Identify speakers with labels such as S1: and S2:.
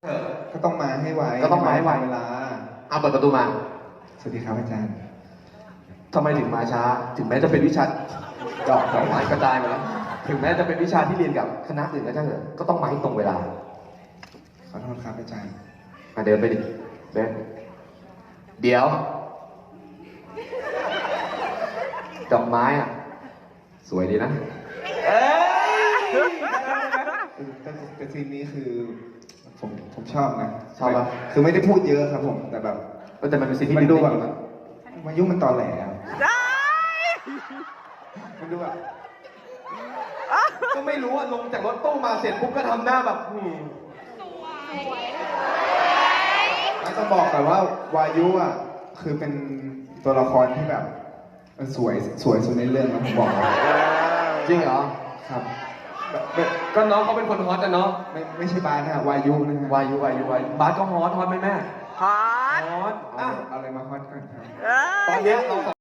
S1: ก็ต้องมาให้ไว
S2: ก็ต้องมาให้ไว
S1: เวลา
S2: เอาเปิดประตูมา
S1: สวัสดีครับอาจารย์
S2: ทำไมถึงมาช้า ถึงแม้จะเป็นวิชาดอกไม้กระจายมาแล้ว ถึงแม้จะเป็นวิชาที่เรียนกับคณะอื่นก็ช่างเถอะก็ต้องมาให้ตรงเวลา
S1: ขอโทษครับอาจารย์
S2: มาเดินไปดิเดินเดี๋ยว ดอกไม้อ่ะ สวยดีนะ
S1: แต่ซีนนี้คือผมชอบนะ
S2: ชอบปะ
S1: คือไม่ได้พูดเยอะครับผม แต่แบบ
S2: แต่มันเป็นสิ่งที่
S1: มันดูแบบ
S2: นะ
S1: มายุ่งมันตอแหลอะมันดูแบบ
S2: ก็ไม่รู้ว่าลงจากรถตู้มาเสร็จปุ๊บก็ทำหน้าแบบ
S1: ไม่ต้องบอกก่อนว่าวายุอ่ะคือเป็นตัวละครที่แบบสวยสุดในเรื่องนะผมบอกเลย
S2: จริงเหรอ
S1: ครับ
S2: ก็น้องเขาเป็นคนฮอตอะเนาะ
S1: ไม่ใช่บาสนะฮะวายุนะฮะ
S2: วายุบาสก็ฮอตไหมแม่
S3: ฮอต
S2: ฮอตอ่ะ
S1: เอาอะไรมาฮอตกันครับ
S2: ตอนเนี้ยเรา